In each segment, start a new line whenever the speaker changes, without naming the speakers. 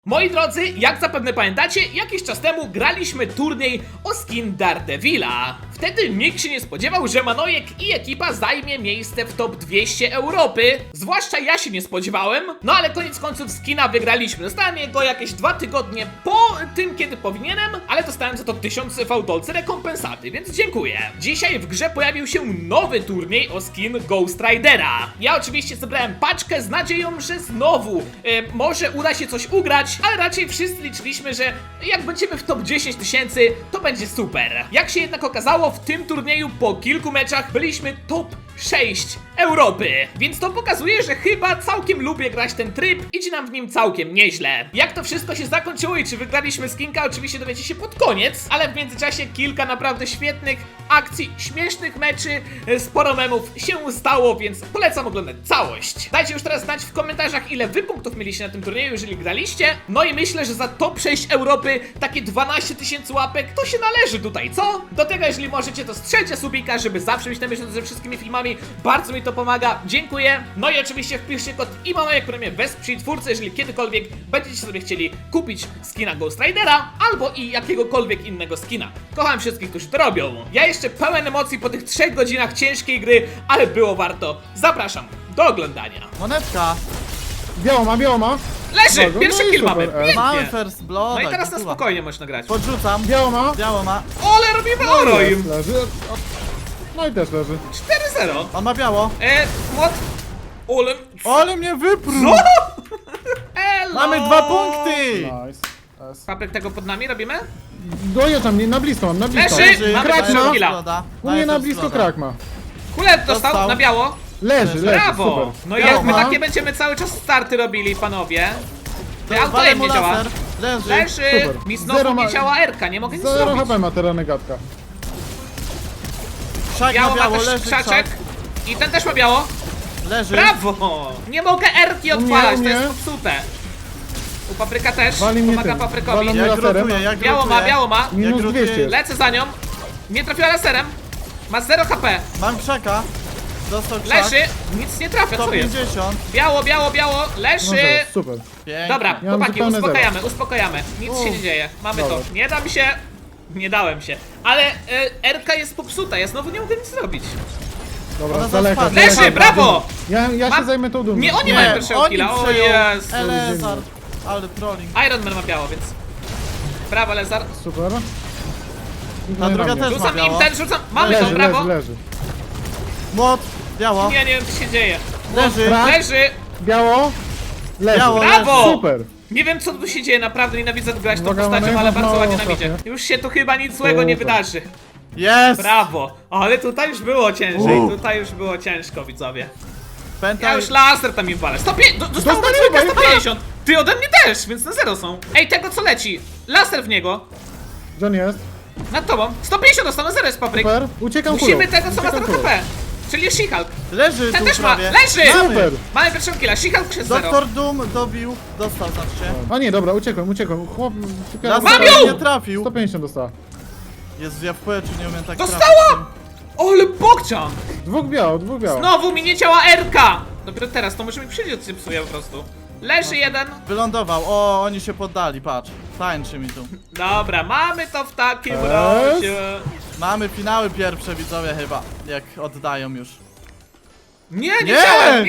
Moi drodzy, jak zapewne pamiętacie, jakiś czas temu graliśmy turniej o skin Daredevila. Wtedy nikt się nie spodziewał, że Manojek i ekipa zajmie miejsce w top 200 Europy. Zwłaszcza ja się nie spodziewałem, no ale koniec końców skina wygraliśmy. Dostałem go jakieś 2 tygodnie po tym, kiedy powinienem, ale dostałem za to 1000 fałdolcy rekompensaty, więc dziękuję. Dzisiaj w grze pojawił się nowy turniej o skin Ghost Ridera. Ja oczywiście zebrałem paczkę z nadzieją, że znowu może uda się coś ugrać, ale raczej wszyscy liczyliśmy, że jak będziemy w top 10 000, to będzie super. Jak się jednak okazało, w tym turnieju po kilku meczach byliśmy top 6 Europy, więc to pokazuje, że chyba całkiem lubię grać ten tryb, idzie nam w nim całkiem nieźle. Jak to wszystko się zakończyło i czy wygraliśmy skinka, oczywiście dowiecie się pod koniec, ale w międzyczasie kilka naprawdę świetnych akcji, śmiesznych meczy, sporo memów się stało, więc polecam oglądać całość. Dajcie już teraz znać w komentarzach, ile wy punktów mieliście na tym turnieju, jeżeli graliście. No i myślę, że za top 6 Europy takie 12 000 łapek to się należy tutaj, co? Do tego, jeżeli możecie, to strzelcie subika, żeby zawsze być na bieżąco ze wszystkimi filmami. Bardzo mi to pomaga, dziękuję. No i oczywiście wpiszcie kod IMANOJEK, który mnie wesprze twórcy, jeżeli kiedykolwiek będziecie sobie chcieli kupić skina Ghost Ridera albo i jakiegokolwiek innego skina. Kocham wszystkich, którzy to robią. Ja jeszcze pełen emocji po tych 3 godzinach ciężkiej gry, ale było warto. Zapraszam do oglądania.
Monetka!
Biało ma.
Leży!
Dobra,
Pierwszy
no i
kill
super,
mamy.
Mamy
Pięknie.
first blood.
No i teraz na spokojnie można grać.
Podrzucam.
Biało ma.
Biało ma.
Ole, robimy oro im!
Leży. No i też leży.
4-0.
On ma biało.
Młot. Ole.
Ale mnie wyprół!
No! Elo!
Mamy 2 punkty!
Nice. S.
Papryk tego pod nami robimy?
Dojeżdżam, nie, na blisko mam, na blisko.
Leży! Mamy
Krak
pierwszego
ma.
killa.
U mnie na blisko krak ma.
Kulet dostał
Dostał.
na biało.
Leży,
Brawo!
super.
No i
Biało
jak my
ma.
takie będziemy cały czas starty robili, panowie. To auto
Walę
im
mu
nie działa.
laser. Leży.
Leży!
Super.
Mi znowu
Zero
nie
ma-
działa R-ka, nie mogę nic
0
zrobić.
HP ma teraz negatka.
Krzak
Biało
ma
ma
biało,
też
leży
krzaczek.
krzak.
I ten też ma biało.
Leży.
Brawo! Nie mogę R-ki
U mnie,
odpalać,
u
to jest
mnie.
popsute. U papryka też.
Wali mnie
Pomaga
tym.
paprykowi.
Walą mnie
Jak
laserem.
rotuję, jak
Biało ma,
rotuję.
biało ma.
Minus
Jak
200 jest.
Lecę za nią. Nie trafiła laserem. Ma 0 HP.
Mam krzaka. Dostał krzak.
Leży. Nic nie trafia, co jest?
150.
Biało, biało, biało.
No
Leży.
dobra, super.
Pięknie.
Dobra,
Ja mam
chłopaki,
zupełne
uspokajamy, uspokajamy. Nic się nie dzieje. Mamy to.
Dobra.
Nie dam się. Nie dałem się. Ale R-ka jest popsuta, ja znowu nie mogę nic zrobić.
Dobra,
Ona
z daleka.
zaspadła.
z daleka.
Leży, brawo!
Ja
Mam-
się zajmę tą dumą.
Nie, oni
Nie,
mają pierwszego
oni
killa. O
przejął.
jest.
Elezar. Ale trolling.
Iron Man ma biało, więc. Brawo, Lezar.
Super.
Ta druga też ma
Rzucam im
biało.
ten, rzucam. Mamy
Leży,
to, brawo.
leży.
Młot. Biało.
Nie wiem co się dzieje.
Leży.
Krak.
Leży.
Biało. Leży.
Biało.
Brawo!
Super.
Nie wiem co tu się dzieje, naprawdę nienawidzę grać tą
Uwaga,
postacią,
mamy
ale bardzo
mało
ładnie
ostatnio.
nienawidzę. Już się tu chyba nic złego nie
Super.
wydarzy.
Jest.
Brawo! Ale tutaj już było ciężej, tutaj już było ciężko, widzowie. Ja
Pętaj.
już laser tam im walę. Dostał na
Dostałem
dwójkę
chyba,
150! Ty ode mnie też, więc na 0 są. Ej, tego co leci. Laser w niego.
John jest.
Nad tobą. 150 dostał na 0 jest papryk.
Super. Uciekam
Musimy
kulą.
tego co ma
Uciekam
0
kulą.
HP. Czyli She-Hulk.
Leży
Ten
tu
też ma.
prawie.
Leży!
Mamy.
Super.
Mamy pierwszego killa. She-Hulk jest 0.
Doktor Doom dobił. Dostał, znaczy.
A nie, dobra, uciekłem. Chłop...
Mam ją!
Nie trafił.
150 dostała.
Jezu, ja w powietrzu nie umiem tak
Dostała!
trafić.
Ale bokcian!
Dwóch biało.
Znowu mi nie działa R-ka! Dopiero teraz, to może mi przyjdzie, się psuje po prostu. Leży jeden.
Wylądował. O, oni się poddali, patrz. Tańczy mi tu.
Dobra, mamy to w takim
Jest.
razie.
Mamy finały pierwsze, widzowie chyba. Jak oddają już.
Nie
Nie!
chciałem!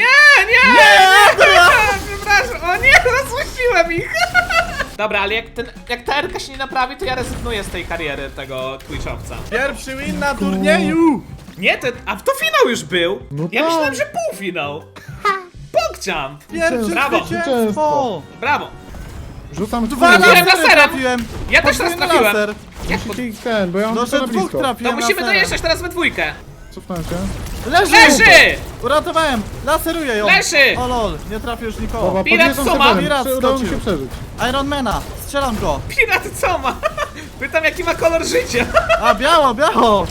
Nie! Przepraszam, o nie, rozpuściłem ich! Dobra, ale jak ta R-ka się nie naprawi, to ja rezygnuję z tej kariery tego Twitchowca.
Pierwszy win na turnieju!
Nie, a to finał już był!
No
Ja
tak.
myślałem, że półfinał! Pogchamp!
Pierwsze
Brawo.
zwycięstwo!
Brawo!
Rzucam
Dwa
kulą.
Trafiłem
lasery
laserem.
trafiłem!
Ja też raz
Podwójny
trafiłem.
laser.
Jak pod...
Musicie ich bo ja mam
No,
tylko
że
na
dwóch
blisko.
To
trafiłem
musimy
laserem.
dojeżdżać teraz we dwójkę!
Cofnąłem się.
Leży!
Leży!
Uratowałem! Laseruję ją!
Leży!
O lol, nie trafię już nikogo.
Dobra,
Pirat
podjeżdżam
co ma?
sewerem.
Pirat
Udało mi się
skoczył.
przeżyć.
Ironmana, strzelam go!
Pirat co ma? Pytam jaki ma kolor życia.
A, biało, biało!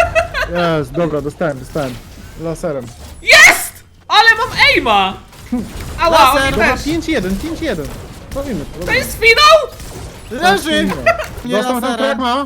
Jest, dobra, dostałem. Laserem.
Jest! Ale mam aima! Ała,
Laser.
oni
Dobra,
też.
5-1. Robimy
To jest finał?
Leży! Nie
Dostał ten
laserem.
krak ma.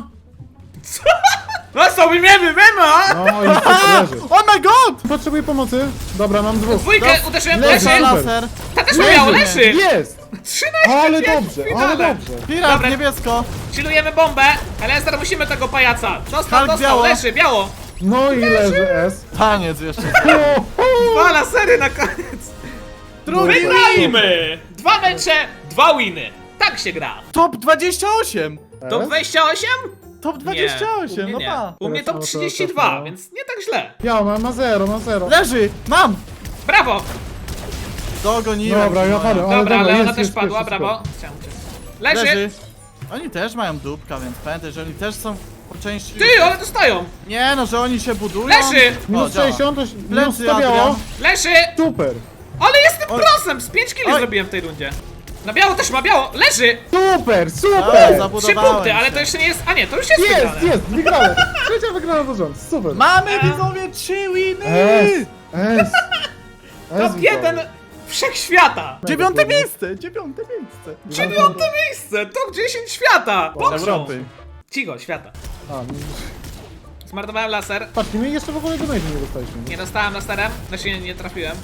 No sobie wiemy!
No i leży.
Oh my god!
Potrzebuję pomocy. Dobra, mam dwóch.
Dwójkę uderzyłem,
Leży
leży.
laser!
Ta też Też ma biało, leży!
Jest!
13
Ale
pięć w
dobrze,
finale.
ale dobrze.
Pirat,
Dobra.
niebiesko.
Chillujemy bombę, ale teraz musimy tego pajaca. Dostał,
Hulk
dostał,
biało.
leży, biało.
No i leży S.
Taniec jeszcze.
Dwa lasery na koniec.
Drugi
Wygrajmy! 2 mecze, 2 winy. Tak się gra.
Top 28.
To 28?
Top
Nie,
28,
u mnie
no
nie.
pa.
U mnie
Teraz
top
to
32,
no.
więc nie tak źle.
Ja ma 0, ma 0.
Leży, mam.
Brawo!
Dogoniłem.
Dobra, ja padłem. Ale
Dobra, ale
jest,
ona też
jest,
padła,
jest,
brawo. Chciałem uciec. Leży!
Leży. Oni też mają dupka, więc pamiętaj, że oni też są po części...
Ty, one dostają!
Nie no, że oni się budują.
Leży!
Minus
działa.
60, to minus
Plecy,
100 biało.
Adrian.
Leży!
Super.
Ale jestem
Oj.
prosem! Z 5 killi
Oj.
zrobiłem w tej rundzie. Na biało też ma biało! Leży!
Super,
Dobra,
super.
3
zabudowałem
punkty, ale
się.
to jeszcze nie jest... A nie, to już jest
Jest,
wygrane.
jest, wygrałem. Trzecia wygrana do rząd, super.
Mamy widzowie 3 winy!
S, S.
Top 1 wszechświata!
9 miejsce, 9 miejsce.
9 miejsce! Top 10 świata! Bokszą.
Europy.
Cicho, świata.
A,
Zmarnowałem laser.
patrz, my jeszcze w ogóle donate nie dostaliśmy.
Nie dostałem laserem. Znaczy nie trafiłem.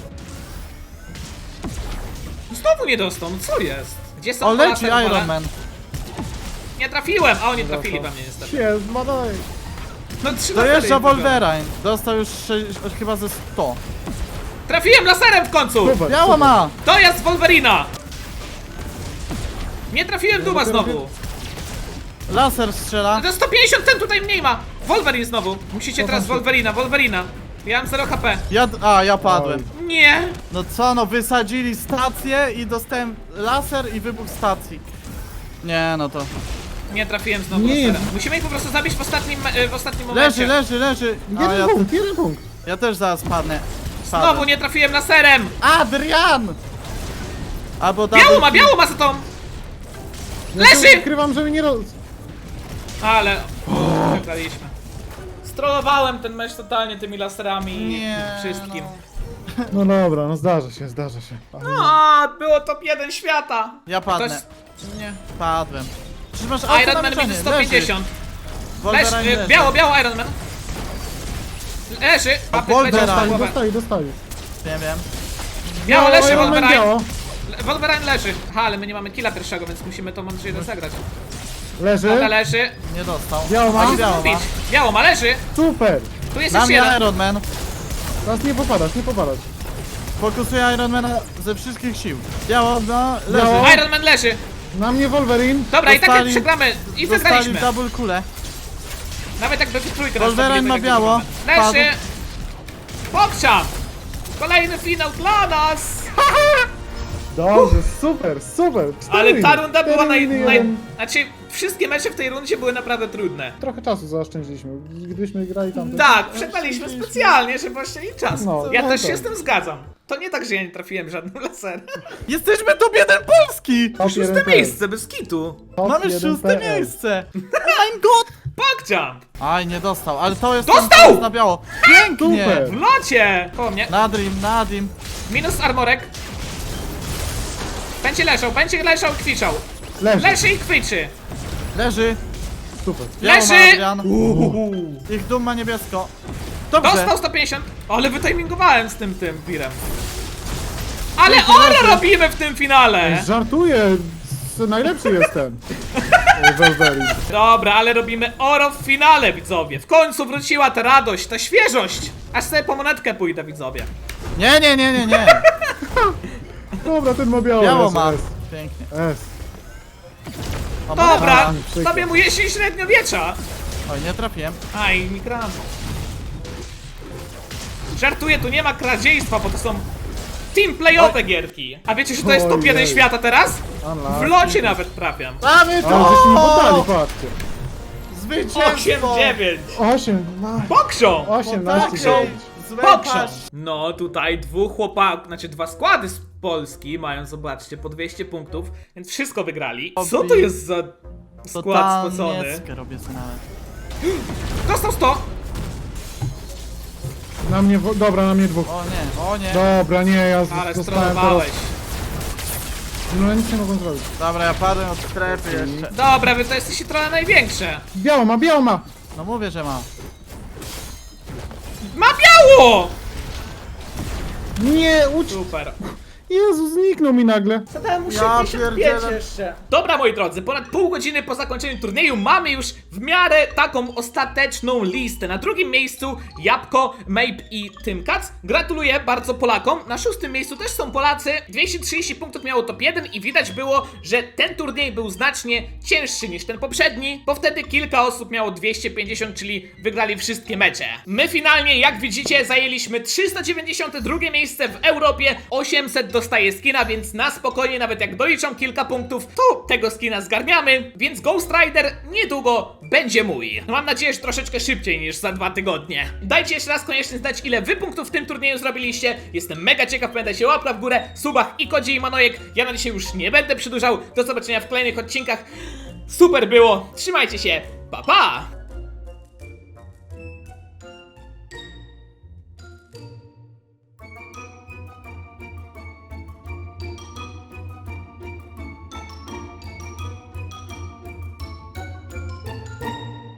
Znowu nie dostał, no co jest? Gdzie są
O, leci
laser pole?
Iron Man.
Nie trafiłem, a oni trafili we mnie niestety.
Jest, badaj.
No 3
Dojeżdża
lasery im
Wolverine. Dostał już chyba ze 100.
Trafiłem laserem w końcu!
Super,
Biało
super.
ma!
To jest Wolverina! Nie trafiłem Duma znowu.
Laser strzela.
To 150 ten tutaj mniej ma! Wolverine znowu. Musicie teraz
tam się-
Wolverina. Ja mam 0 HP.
Ja padłem.
Nie!
No co, no wysadzili stację i dostałem laser i wybuch stacji. Nie, no to...
Nie trafiłem znowu
Nie.
laserem. Musimy ich po prostu zabić w ostatnim momencie.
Leży. A,
Jeden
ja,
punkt, jeden punkt.
ja też zaraz padnę.
Znowu nie trafiłem laserem!
Adrian! Albo
Biało ma za tą!
Ja się
Leży!
ukrywam, żeby nie roz...
Ale... Wygraliśmy. Strollowałem ten mecz totalnie tymi laserami i
Nie,
wszystkim.
No dobra, no zdarza się, zdarza się.
A, było top 1 świata!
Ja padnę.
Ktoś... Nie.
Padłem. Przecież masz
Iron Man minus 150.
Wolverine
Biało Iron Man. Leży. A
Wolverine.
Dostali.
Nie wiem.
Biało leży,
Iron Man
Wolverine.
biało.
Wolverine leży. Aha, ale my nie mamy killa pierwszego, więc musimy to mądrze rozegrać.
Leży.
Dobra, leży.
Nie dostał.
Biało ma?
Oni biało ma.
Biało ma, leży.
Super.
Tu jest
Na
jeszcze
mnie
jeden.
Iron Man.
Teraz nie popadać, nie popadać.
Fokusuję Iron Mana ze wszystkich sił. Biało, no, leży.
Biało.
Iron Man leży.
Na mnie Wolverine.
Dobra, i tak jak
Dostali-
przegramy i
Dostali
wygraliśmy.
double kulę.
Nawet jakby w trójkę
Wolverine ma biało.
Leży. Pokczam. Kolejny finał dla nas.
Dobrze, super. Cztery
Ale ta
winy.
runda była
Cztery winy,
naj...
jeden.
Znaczy, wszystkie mecze w tej rundzie były naprawdę trudne.
Trochę czasu zaoszczędziliśmy. Gdybyśmy grali tam...
Tak, przegraliśmy specjalnie, żeby oszczędzić czas.
No,
Ja
no
też
tak.
się z tym zgadzam. To nie tak, że ja nie trafiłem żadnym laserem.
Jesteśmy top 1 Polski!
Top
Szóste
1
miejsce, bez kitu.
Top
Mamy
1
szóste
PL.
miejsce! Oh my god!
Pokczam.
Aj, nie dostał, ale to jest
Dostał!
ten, co jest na biało. Pięknie!
Super.
W locie. Koło mnie.
Nadim.
Minus armorek. Będzie leżał i kwiczał.
Leży.
Leży i kwiczy.
Leży.
Super.
Biało ma
Leży!
Adrian. Ich dum ma niebiesko. Dobrze.
Dostał 150. Ale wytimingowałem z tym wirem. Ale
Leży,
oro
leży.
robimy w tym finale.
Żartuję. Najlepszy jestem. Wolverine.
Dobra, ale robimy oro w finale, widzowie. W końcu wróciła ta radość, ta świeżość. Aż sobie po monetkę pójdę, widzowie.
Nie.
Dobra, ten ma biało.
Biało
S,
ma.
S.
Pięknie.
S.
O,
Dobra,
A, przykro.
sobie mu jesień średniowiecza.
Oj, nie trafiłem.
Aj, mikrofon. Żartuję, tu nie ma kradziejstwa, bo to są team playowe gierki. A wiecie, że to jest top 1
Ojej.
świata teraz?
Unlucky.
W locie nawet trafiam.
Mamy
Ale żeśmy poddali,
to!
patrzcie.
Zwycięstwo!
8-9.
8,
Bokszą!
18,
Bokszą!
9.
Bokszą! No tutaj dwóch chłopaków, znaczy dwa składy z Polski mają, zobaczcie, po 200 punktów, więc wszystko wygrali. Co to jest za skład spocony?
Totalnie robię sobie nawet.
Dostał 100!
Na mnie, dobra, na mnie dwóch.
O nie.
Dobra, nie, ja
Ale
zostałem
stronowałeś.
No ja nic nie mogłem zrobić.
Dobra, ja padłem od strefy jeszcze.
Dobra, wy to jesteście trochę największe.
Biało ma.
No mówię, że ma.
Ma biało!
Nie,
Super.
Jezu, zniknął mi nagle.
Zadałem mu
Ja
65
pierdzielę.
jeszcze.
Dobra, moi drodzy, ponad pół godziny po zakończeniu turnieju mamy już w miarę taką ostateczną listę. Na drugim miejscu Jabłko, Mape i Tymkac. Gratuluję bardzo Polakom. Na szóstym miejscu też są Polacy. 230 punktów miało top 1 i widać było, że ten turniej był znacznie cięższy niż ten poprzedni, bo wtedy kilka osób miało 250, czyli wygrali wszystkie mecze. My finalnie, jak widzicie, zajęliśmy 392 miejsce w Europie, 800 dostaje skina, więc na spokojnie, nawet jak doliczą kilka punktów, to tego skina zgarniamy, więc Ghost Rider niedługo będzie mój. No mam nadzieję, że troszeczkę szybciej niż za 2 tygodnie. Dajcie jeszcze raz koniecznie znać, ile wy punktów w tym turnieju zrobiliście. Jestem mega ciekaw, pamiętajcie, łapka w górę, subach i kodzie i Manojek. Ja na dzisiaj już nie będę przedłużał. Do zobaczenia w kolejnych odcinkach. Super było, trzymajcie się, pa pa!